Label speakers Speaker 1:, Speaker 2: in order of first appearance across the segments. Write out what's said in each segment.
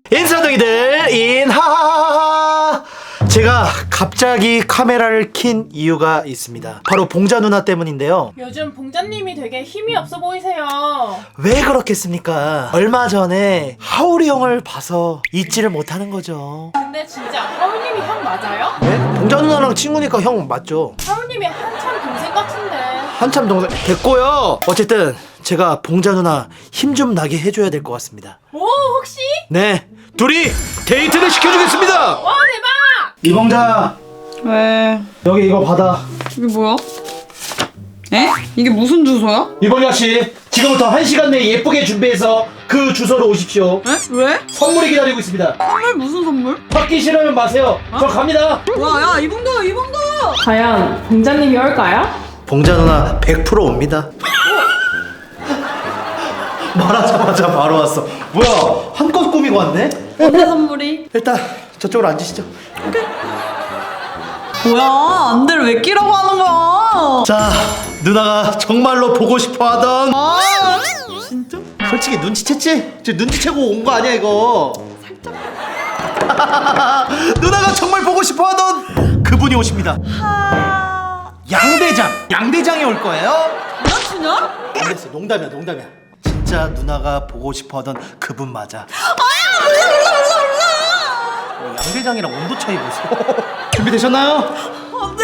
Speaker 1: 인사동이들 인하하하하. 제가 갑자기 카메라를 킨 이유가 있습니다. 바로 봉자 누나 때문인데요.
Speaker 2: 요즘 봉자님이 되게 힘이 없어 보이세요.
Speaker 1: 왜 그렇겠습니까? 얼마 전에 하울이 형을 봐서 잊지를 못하는 거죠.
Speaker 2: 근데 진짜 하울님이 형 맞아요?
Speaker 1: 네? 봉자 누나랑 친구니까 형 맞죠?
Speaker 2: 하울님이 한참 동생 같은데.
Speaker 1: 한참 동생 됐고요. 어쨌든 제가 봉자 누나 힘 좀 나게 해줘야 될 것 같습니다.
Speaker 2: 오, 혹시?
Speaker 1: 네, 둘이 데이트를 시켜주겠습니다.
Speaker 2: 와, 대박!
Speaker 1: 이봉자,
Speaker 3: 왜?
Speaker 1: 여기 이거 받아.
Speaker 3: 이게 뭐야? 에? 이게 무슨 주소야?
Speaker 1: 이봉자 씨, 지금부터 1시간 내에 예쁘게 준비해서 그 주소로 오십시오.
Speaker 3: 에? 왜?
Speaker 1: 선물이 기다리고 있습니다.
Speaker 3: 선물 무슨 선물?
Speaker 1: 받기 싫으면 마세요. 저 갑니다.
Speaker 3: 와, 야, 이봉도!
Speaker 2: 과연 봉자님이 올까요?
Speaker 1: 봉자 누나 100% 옵니다. 말하자마자 바로 왔어. 뭐야, 한껏 꾸미고 왔네?
Speaker 3: 뭔데 선물이?
Speaker 1: 일단 저쪽으로 앉으시죠.
Speaker 3: 뭐야, 안대를 왜 끼라고 하는 거야?
Speaker 1: 자, 누나가 정말로 보고 싶어하던.
Speaker 3: 아, 진짜?
Speaker 1: 솔직히 눈치챘지? 저 눈치채고 온 거 아니야 이거? 살짝. 누나가 정말 보고 싶어하던 그분이 오십니다. 양대장이 올 거예요.
Speaker 3: 여자친구야?
Speaker 1: 안 됐어, 농담이야. 진짜 누나가 보고 싶어하던 그분 맞아. 양대장이랑 온도 차이 보세요. 준비되셨나요?
Speaker 3: 네.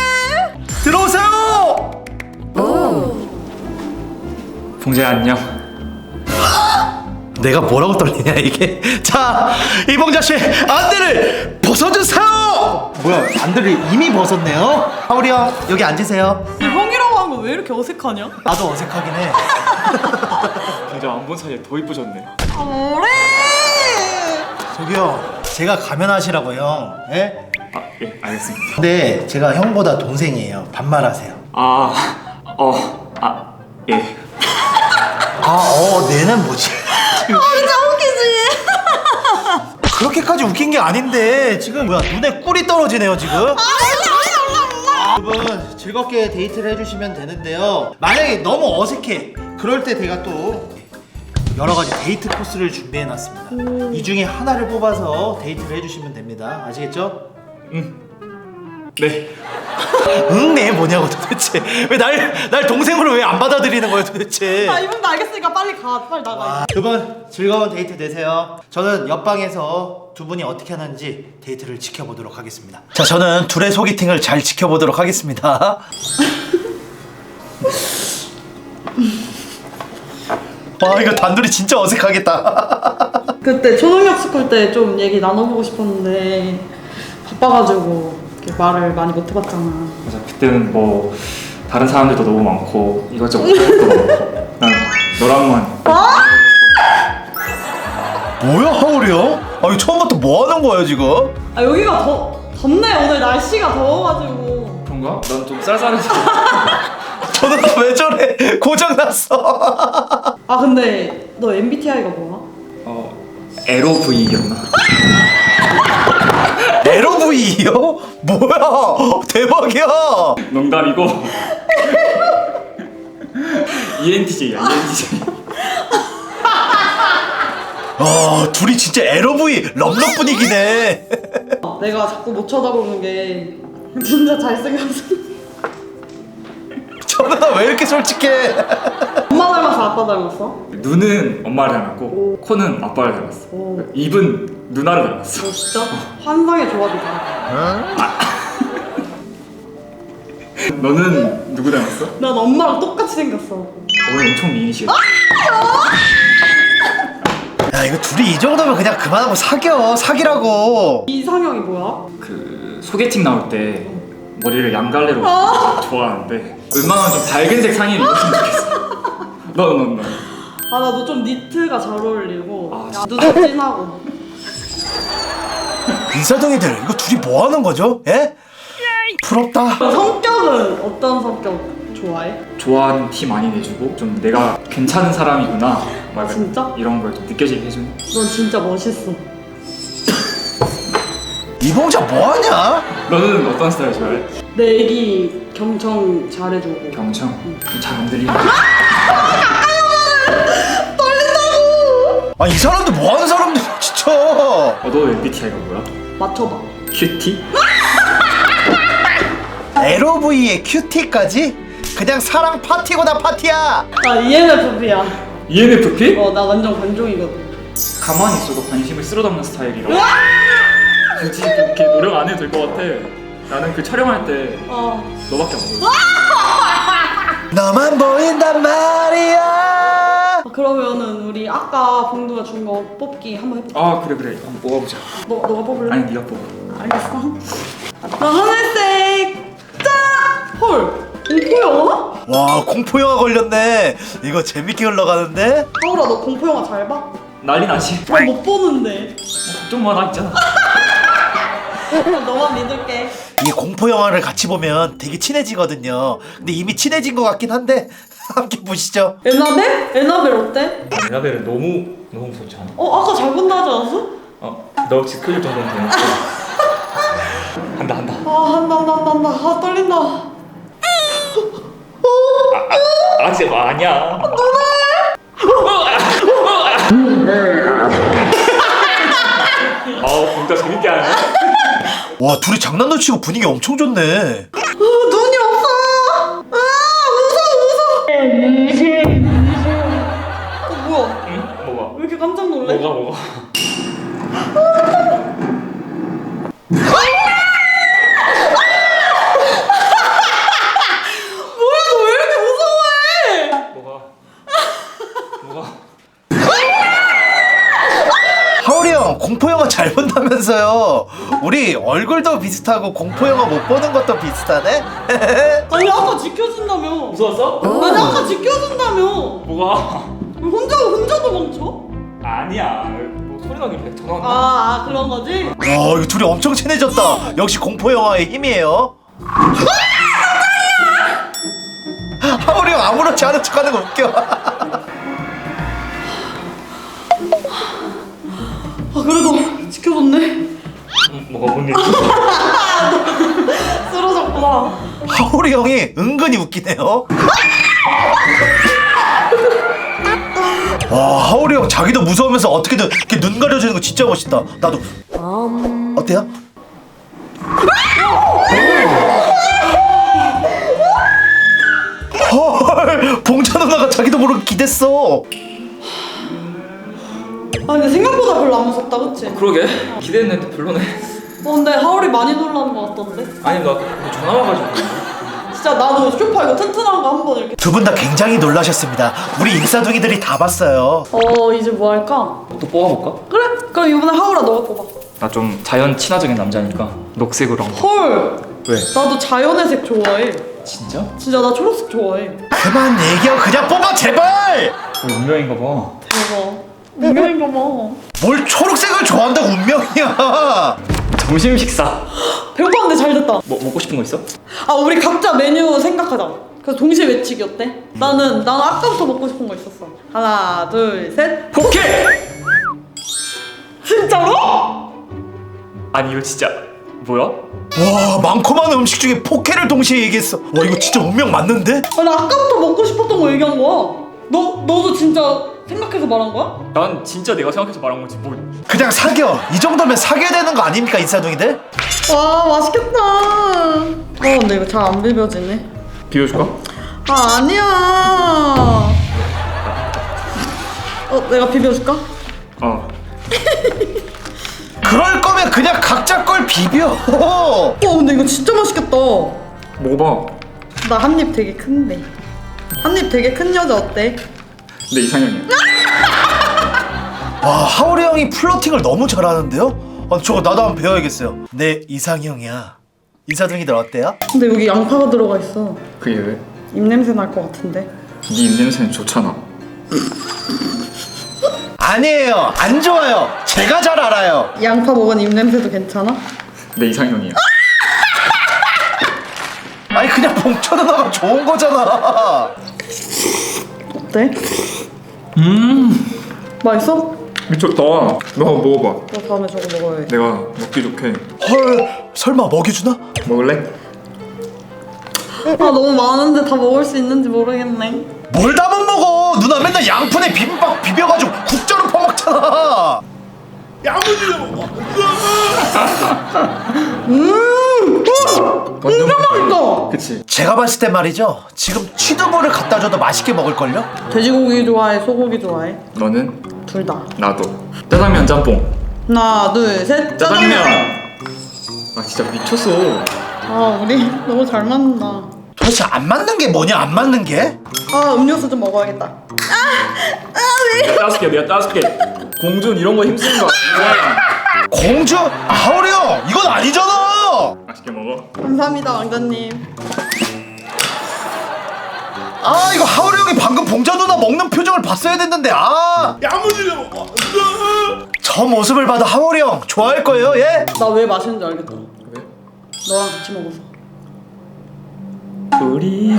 Speaker 1: 들어오세요.
Speaker 4: 봉자야 안녕.
Speaker 1: 내가 뭐라고 떨리냐 이게. 자, 이봉자 씨 안대를 벗어주세요. 뭐야, 안대를 이미 벗었네요. 하울이 형 여기 앉으세요.
Speaker 3: 형이라고 한 거 왜 이렇게 어색하냐?
Speaker 1: 나도 어색하긴 해.
Speaker 4: 봉자 안 본 사이에 더 이쁘셨네.
Speaker 3: 뭐래?
Speaker 1: 저기요, 제가 가면하시라고 형. 예?
Speaker 4: 아, 예, 알겠습니다.
Speaker 1: 근데 제가 형보다 동생이에요. 반말하세요.
Speaker 4: 예.
Speaker 1: 내는 뭐지?
Speaker 3: 진짜 웃기지?
Speaker 1: 그렇게까지 웃긴 게 아닌데 지금 뭐야, 눈에 꿀이 떨어지네요 지금. 여러분 즐겁게 데이트를 해주시면 되는데요. 만약에 너무 어색해, 그럴 때 제가 또 여러 가지 데이트 코스를 준비해놨습니다. 이 중에 하나를 뽑아서 데이트를 해주시면 됩니다. 아시겠죠?
Speaker 4: 네.
Speaker 1: 응, 네 뭐냐고 도대체. 왜 날 동생으로 왜 안 받아들이는 거예요 도대체?
Speaker 3: 아, 이봉도 알겠으니까 빨리 나가.
Speaker 1: 두 분 즐거운 데이트 되세요. 저는 옆방에서 두 분이 어떻게 하는지 데이트를 지켜보도록 하겠습니다. 자, 저는 둘의 소개팅을 잘 지켜보도록 하겠습니다. 와, 이거 단둘이 진짜 어색하겠다.
Speaker 3: 그때 초능력 스쿨 때 좀 얘기 나눠보고 싶었는데 바빠가지고 이렇게 말을 많이 못 해봤잖아.
Speaker 4: 맞아. 그때는 뭐 다른 사람들도 너무 많고 이것저것 할 것도 많고 난 너랑만.
Speaker 1: 뭐야, 하울이 형? 이거 처음부터 뭐 하는 거예요 지금?
Speaker 3: 아, 여기가 덥네. 오늘 날씨가 더워가지고.
Speaker 4: 그런가? 난 좀 쌀쌀해서.
Speaker 1: 저는 왜 저래? 고장났어.
Speaker 3: 아, 근데 너 MBTI가 뭐야?
Speaker 4: LOV였나?
Speaker 1: LOV요? 뭐야? 대박이야.
Speaker 4: 농담이고. ENTJ야, ENTJ.
Speaker 1: 둘이 진짜 LOV 럽럽 분위기네.
Speaker 3: 내가 자꾸 못 쳐다보는 게 진짜 잘생겼어.
Speaker 1: 저는 왜 이렇게 솔직해?
Speaker 3: 엄마 닮았어, 아빠 닮았어?
Speaker 4: 눈은 엄마를 닮았고 코는 아빠를 닮았어.
Speaker 3: 오.
Speaker 4: 입은 누나를 닮았어.
Speaker 3: 너 진짜 환상의 조합이다.
Speaker 4: 너는 누구 닮았어?
Speaker 3: 난 엄마랑 똑같이 생겼어.
Speaker 4: 오늘 엄청 미인이시겠다.
Speaker 1: 야, 이거 둘이 이 정도면 그냥 그만하고 사귀라고.
Speaker 3: 이상형이 뭐야?
Speaker 4: 그 소개팅 나올 때 머리를 양갈래로 좋아하는데 웬만하면 좀 밝은색 상의를 입었으면 좋겠어. 너.
Speaker 3: 아, 나 너 좀 니트가 잘 어울리고.
Speaker 4: 아,
Speaker 3: 야, 눈도 진하고.
Speaker 1: 인사동이들, 이거 둘이 뭐 하는 거죠? 예? 부럽다.
Speaker 3: 성격은 어떤 성격 좋아해?
Speaker 4: 좋아하는 티 많이 내주고 좀 내가 괜찮은 사람이구나 막
Speaker 3: 진짜?
Speaker 4: 이런 걸 좀 느껴지게 해주는.
Speaker 3: 넌 진짜 멋있어.
Speaker 1: 이봉자 뭐 하냐?
Speaker 4: 너는 어떤 스타일 좋아해?
Speaker 3: 내 애기 경청 잘해주고.
Speaker 4: 경청? 잘 안 들리네.
Speaker 1: 이 사람들 뭐 하는 사람들? 진짜.
Speaker 4: 너 MBTI가 뭐야?
Speaker 3: 맞춰봐.
Speaker 4: 큐티?
Speaker 1: LOV에 큐티까지? 그냥 사랑 파티고나 파티야.
Speaker 3: 나 ENFP야.
Speaker 4: ENFP?
Speaker 3: 나 완전 관종이거든.
Speaker 4: 가만히 있어도 관심을 쓸어담는 스타일이라 굳이 그렇게 노력 안 해도 될 것 같아. 나는 그 촬영할 때 너밖에 안 보여.
Speaker 1: 너만 보인단 말이야.
Speaker 3: 그러면은 우리 아까 봉두가 준 거 뽑기 한번 해볼까?
Speaker 4: 아 그래 한번 뽑아보자.
Speaker 3: 너가 뽑을래?
Speaker 4: 아니 네가 뽑아.
Speaker 3: 알겠어. 나 하늘색. 짠! 헐. 공포 영화?
Speaker 1: 와, 공포 영화 걸렸네. 이거 재밌게 흘러가는데?
Speaker 3: 하울아, 너 공포 영화 잘 봐?
Speaker 4: 난리 나지.
Speaker 3: 나 못 보는데.
Speaker 4: 걱정 마, 나 있잖아.
Speaker 3: 너만 믿을게.
Speaker 1: 이 공포 영화를 같이 보면 되게 친해지거든요. 근데 이미 친해진 것 같긴 한데 함께 보시죠.
Speaker 3: 에나벨? 에나벨 어때?
Speaker 4: 에나벨은 너무 무섭지 않아?
Speaker 3: 아까 잘 본다 하지 않았어?
Speaker 4: 너 혹시 클릭 정도는 되니까. 한다.
Speaker 3: 한다. 떨린다.
Speaker 4: 아직 아니야. 진짜 재밌게 하네.
Speaker 1: 와, 둘이 장난도 치고 분위기 엄청 좋네.
Speaker 3: 눈이 없어. 무서워. 뭐야?
Speaker 4: 응? 뭐가?
Speaker 3: 왜 이렇게 깜짝 놀래?
Speaker 4: 뭐가?
Speaker 3: 뭐야, 너 왜 이렇게 무서워해?
Speaker 4: 뭐가?
Speaker 1: 하울이 형, 공포 영화 잘 본다면서요. 우리 얼굴도 비슷하고 공포 영화 못 보는 것도 비슷하네.
Speaker 3: 아니, 아까 지켜준다며.
Speaker 4: 무서웠어?
Speaker 3: 아니, 아까 지켜준다며.
Speaker 4: 뭐가?
Speaker 3: 왜 혼자 도망쳐?
Speaker 4: 아니야. 뭐 소리 나긴 해. 전화 왔나?
Speaker 3: 그런 거지?
Speaker 1: 와, 이거 둘이 엄청 친해졌다. 역시 공포 영화의 힘이에요. 하울이 형 아무렇지 않은 척하는 거 웃겨.
Speaker 3: 그래도 지켜줬네.
Speaker 4: 뭐가 뭔 일?
Speaker 3: 쓰러졌구나.
Speaker 1: 하울이 형이 은근히 웃기네요. 와, 하울이 형 자기도 무서우면서 어떻게든 이렇게 눈 가려주는 거 진짜 멋있다. 나도. 어때요? 헐, 봉자 누나가 자기도 모르게 기댔어.
Speaker 3: 근데 생각보다 별로 안 무섭다, 그치?
Speaker 4: 그러게. 기대했는데 별로네.
Speaker 3: 근데 하울이 많이 놀라는 것 같던데?
Speaker 4: 아니 나 전화 와가지고.
Speaker 3: 진짜 나도 쇼파 이거 튼튼한 거 한번 이렇게.
Speaker 1: 두 분 다 굉장히 놀라셨습니다. 우리 인싸둥이들이 다 봤어요.
Speaker 3: 이제 뭐 할까?
Speaker 4: 또 뽑아볼까?
Speaker 3: 그래? 그럼 이번에 하울아 너가 뽑아.
Speaker 4: 나 좀 자연 친화적인 남자니까 녹색으로 한번.
Speaker 3: 헐!
Speaker 4: 왜?
Speaker 3: 나도 자연의 색 좋아해.
Speaker 4: 진짜?
Speaker 3: 진짜 나 초록색 좋아해.
Speaker 1: 그만 얘기하고 그냥 뽑아, 제발.
Speaker 4: 운명인가 봐.
Speaker 3: 대박. 운명인가 봐.
Speaker 1: 뭘 초록색을 좋아한다고 운명이야.
Speaker 4: 점심 식사.
Speaker 3: 배고팠는데 잘 됐다.
Speaker 4: 뭐 먹고 싶은 거 있어?
Speaker 3: 우리 각자 메뉴 생각하자. 그래서 동시에 외치기 어때? 나는 아까부터 먹고 싶은 거 있었어. 하나, 둘, 셋.
Speaker 4: 포케!
Speaker 3: 진짜로?
Speaker 4: 아니 이거 진짜 뭐야?
Speaker 1: 와, 많고 많은 음식 중에 포케를 동시에 얘기했어. 와, 이거 진짜 운명 맞는데?
Speaker 3: 나 아까부터 먹고 싶었던 거 얘기한 거야. 너도 진짜 생각해서 말한 거야?
Speaker 4: 난 진짜 내가 생각해서 말한 거지 뭐.
Speaker 1: 그냥 사겨. 이 정도면 사겨야 되는 거 아닙니까, 인싸둥이들?
Speaker 3: 와, 맛있겠다. 근데 이거 잘 안 비벼지네.
Speaker 4: 비워줄까?
Speaker 3: 아니야. 내가 비벼줄까?
Speaker 1: 그럴 거면 그냥 각자 걸 비벼.
Speaker 3: 근데 이거 진짜 맛있겠다.
Speaker 4: 먹어봐.
Speaker 3: 나 한 입 되게 큰데. 한 입 되게 큰 여자 어때?
Speaker 4: 내 이상형이야.
Speaker 1: 와, 하울이 형이 플러팅을 너무 잘하는데요? 저거 나도 한번 배워야겠어요. 내 이상형이야. 인싸둥이들 어때요?
Speaker 3: 근데 여기 양파가 들어가 있어.
Speaker 4: 그게 왜?
Speaker 3: 입냄새 날 것 같은데.
Speaker 4: 네 입냄새는 좋잖아.
Speaker 1: 아니에요. 안 좋아요. 제가 잘 알아요.
Speaker 3: 양파 먹은 입냄새도 괜찮아?
Speaker 4: 내 이상형이야.
Speaker 1: 아니, 그냥 봉쳐 누나가 좋은 거잖아.
Speaker 3: 어때? 맛있어?
Speaker 4: 미쳤다. 너 먹어봐.
Speaker 3: 나 다음에 저거 먹어야 해.
Speaker 4: 내가 먹기 좋게.
Speaker 1: 헐, 설마 먹여주나?
Speaker 4: 먹을래?
Speaker 3: 너무 많은데 다 먹을 수 있는지 모르겠네.
Speaker 1: 뭘 다 못 먹어. 누나 맨날 양푼에 비빔밥 비벼가지고 국자로 퍼먹잖아.
Speaker 4: 완전
Speaker 3: 맛있어.
Speaker 4: 그치.
Speaker 1: 제가 봤을 때 말이죠. 지금 취두부를 갖다 줘도 맛있게 먹을걸요?
Speaker 3: 돼지고기 좋아해? 소고기 좋아해?
Speaker 4: 너는?
Speaker 3: 둘 다.
Speaker 4: 나도. 짜장면 짬뽕.
Speaker 3: 하나, 둘, 셋.
Speaker 4: 짜장면. 아 진짜 미쳤어.
Speaker 3: 아, 우리 너무 잘 맞는다.
Speaker 1: 도대체 안 맞는 게 뭐냐? 안 맞는 게?
Speaker 3: 아, 음료수 좀 먹어야겠다.
Speaker 4: 내가 따줄게. 내가 따줄게. 공준 이런 거 힘쓰는 거 아니야.
Speaker 1: 공주? 하울이 형 이건 아니잖아.
Speaker 4: 맛있게 먹어.
Speaker 3: 감사합니다, 왕자님.
Speaker 1: 아 이거 하울이 형이 방금 봉자 누나 먹는 표정을 봤어야 됐는데 저 모습을 봐도 하울이 형 좋아할 거예요 예?
Speaker 3: 나 왜 맛있는 줄 알겠다.
Speaker 4: 왜?
Speaker 3: 너랑 같이 먹어서.
Speaker 4: 우리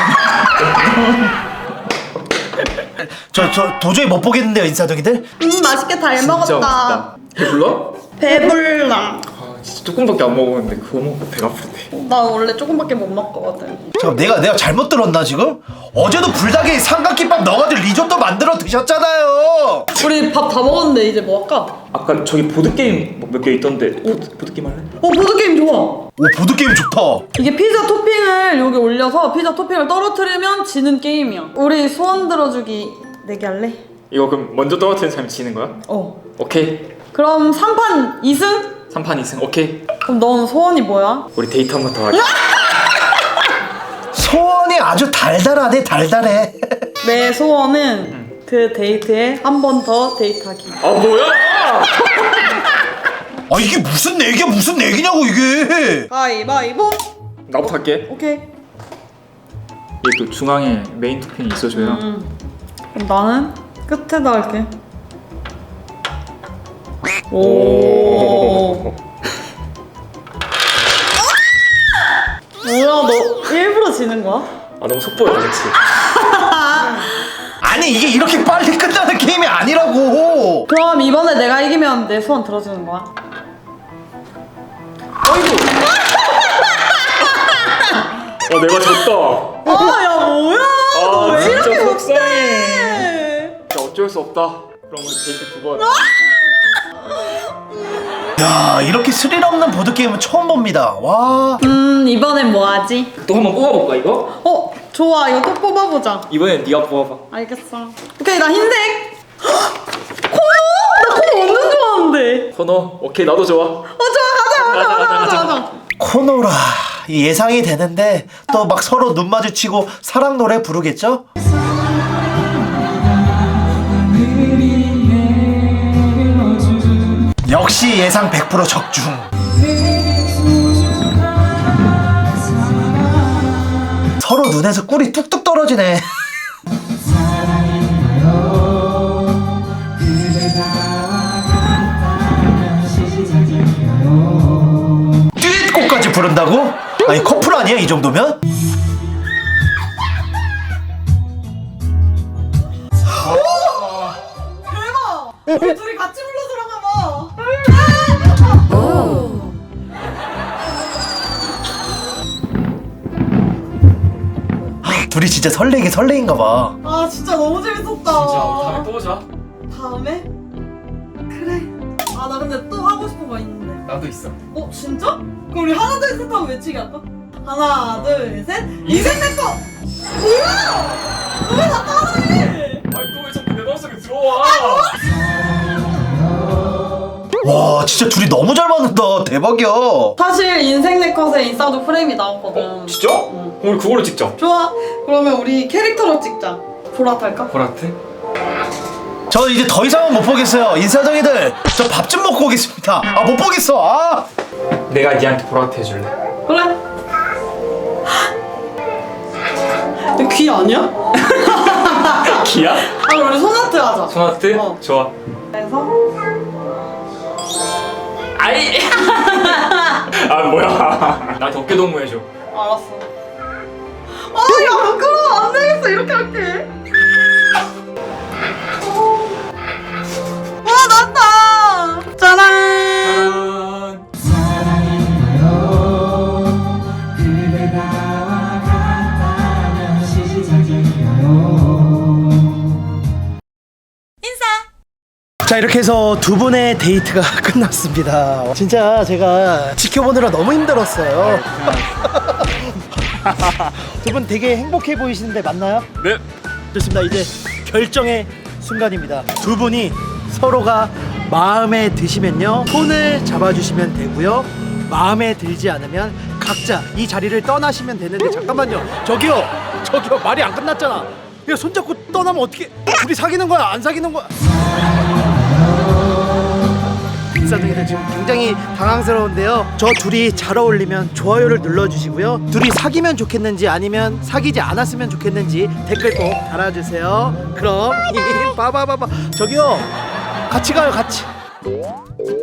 Speaker 1: 저 도저히 못 보겠는데요 인사동이들?
Speaker 3: 맛있게 잘
Speaker 4: 진짜
Speaker 3: 먹었다.
Speaker 4: 맛있다. 배불러?
Speaker 3: 배불러.
Speaker 4: 아 진짜 조금밖에 안 먹었는데 그거 먹고 배가 아프대.
Speaker 3: 나 원래 조금밖에 못 먹거든.
Speaker 1: 잠깐 내가 잘못 들었나 지금? 어제도 불닭에 삼각김밥 넣어가지고 리조또 만들어 드셨잖아요.
Speaker 3: 우리 밥 다 먹었는데 이제 뭐 할까?
Speaker 4: 아까 저기 보드 게임 몇 개 있던데 보드 게임 할래?
Speaker 3: 보드게임 좋아.
Speaker 1: 오 보드게임 좋다.
Speaker 3: 이게 피자 토핑을 여기 올려서 피자 토핑을 떨어뜨리면 지는 게임이야. 우리 소원 들어주기 내기 할래?
Speaker 4: 이거 그럼 먼저 떨어뜨리는 사람이 지는 거야?
Speaker 3: 어.
Speaker 4: 오케이.
Speaker 3: 그럼 3판 2승?
Speaker 4: 3판 2승 오케이.
Speaker 3: 그럼 넌 소원이 뭐야?
Speaker 4: 우리 데이트 한 번 더 하자.
Speaker 1: 소원이 아주 달달하네 달달해.
Speaker 3: 내 소원은 그 데이트에 한 번 더 데이트하기.
Speaker 4: 아 뭐야?
Speaker 1: 아 이게 무슨 내기야 무슨 내기냐고 이게.
Speaker 3: 가위바위보.
Speaker 4: 나부터 할게.
Speaker 3: 오케이.
Speaker 4: 이게 또 중앙에 메인 토핑이 있어줘야.
Speaker 3: 그럼 나는 끝에다 할게. 오. 뭐야 너 일부러 지는 거야?
Speaker 4: 아 너무 속보였다 그치?
Speaker 1: 아니 이게 이렇게 빨리 끝나는 게임이 아니라고.
Speaker 3: 그럼 이번에 내가 이기면 내 소원 들어주는 거야?
Speaker 4: 아 내가 졌다.
Speaker 3: 아야 뭐야? 너 왜
Speaker 4: 진짜
Speaker 3: 이렇게
Speaker 4: 속상해.
Speaker 3: 못해?
Speaker 4: 진짜 어쩔 수 없다. 그럼 우리 데이트 두 번.
Speaker 1: 야 이렇게 스릴 없는 보드 게임은 처음 봅니다. 와.
Speaker 3: 이번엔 뭐 하지?
Speaker 4: 또 한번 뽑아볼까 이거?
Speaker 3: 좋아 이거 또 뽑아보자.
Speaker 4: 이번엔 네가 뽑아봐.
Speaker 3: 알겠어. 오케이 나 흰색. 코너? 나 코너 완전 좋아하는데.
Speaker 4: 코너 오케이 나도 좋아.
Speaker 3: 좋아 가자.
Speaker 1: 코노라 예상이 되는데 또 막 서로 눈 마주치고 사랑 노래 부르겠죠? 역시 예상 100% 적중. 서로 눈에서 꿀이 뚝뚝 떨어지네. 듀엣곡까지 부른다고? 아니 커플 아니야 이 정도면?
Speaker 3: 대박. 우리 둘이 같이 불러주라가 봐.
Speaker 1: 둘이 진짜 설레인가 봐.
Speaker 3: 아 진짜 너무 재밌었다.
Speaker 4: 다음에 또 보자.
Speaker 3: 다음에? 그래. 아 나 근데 또 하고 싶은 거 있는데.
Speaker 4: 나도 있어.
Speaker 3: 진짜? 그럼 우리 하나 둘 셋 하고 외치기 할까? 하나 둘 셋. 인생 내 거. 뭐야? 왜 나 따라해?
Speaker 4: 아니 또 왜 자꾸 내 마음속에 들어와?
Speaker 1: 와 진짜 둘이 너무 잘 맞는다. 대박이야.
Speaker 3: 사실 인생 내 컷에 인싸도 프레임이 나왔거든.
Speaker 4: 진짜?
Speaker 3: 응.
Speaker 4: 우리 그걸로 찍자.
Speaker 3: 좋아. 그러면 우리 캐릭터로 찍자. 보라트 할까?
Speaker 4: 보라트?
Speaker 1: 저 이제 더 이상은 못 보겠어요. 인사동이들 저 밥 좀 먹고 오겠습니다. 아 못 보겠어. 아.
Speaker 4: 내가 니한테 보라트 해줄래.
Speaker 3: 그래. 너 귀 아니야?
Speaker 4: 기야?
Speaker 3: 그럼 우리 손아트 하자.
Speaker 4: 손아트? 좋아.
Speaker 3: 그래서
Speaker 4: 아이. 아 뭐야? 나한테 어깨 동무 해줘.
Speaker 3: 알았어. 야 부끄러워. 안 되겠어. 이렇게 할게. 와 났다. 짜란.
Speaker 4: 짜란.
Speaker 1: 자, 이렇게 해서 두 분의 데이트가 끝났습니다. 진짜 제가 지켜보느라 너무 힘들었어요. 두 분 되게 행복해 보이시는데 맞나요?
Speaker 4: 네.
Speaker 1: 좋습니다. 이제 결정의 순간입니다. 두 분이 서로가 마음에 드시면요, 손을 잡아주시면 되고요. 마음에 들지 않으면 각자 이 자리를 떠나시면 되는데, 잠깐만요. 저기요 말이 안 끝났잖아. 야, 손잡고 떠나면 어떻게? 둘이 사귀는 거야 안 사귀는 거야? 사장님들 지금 굉장히 당황스러운데요. 저 둘이 잘 어울리면 좋아요를 눌러주시고요. 둘이 사귀면 좋겠는지 아니면 사귀지 않았으면 좋겠는지 댓글 꼭 달아주세요. 그럼 봐봐 저기요, 같이 가요 같이.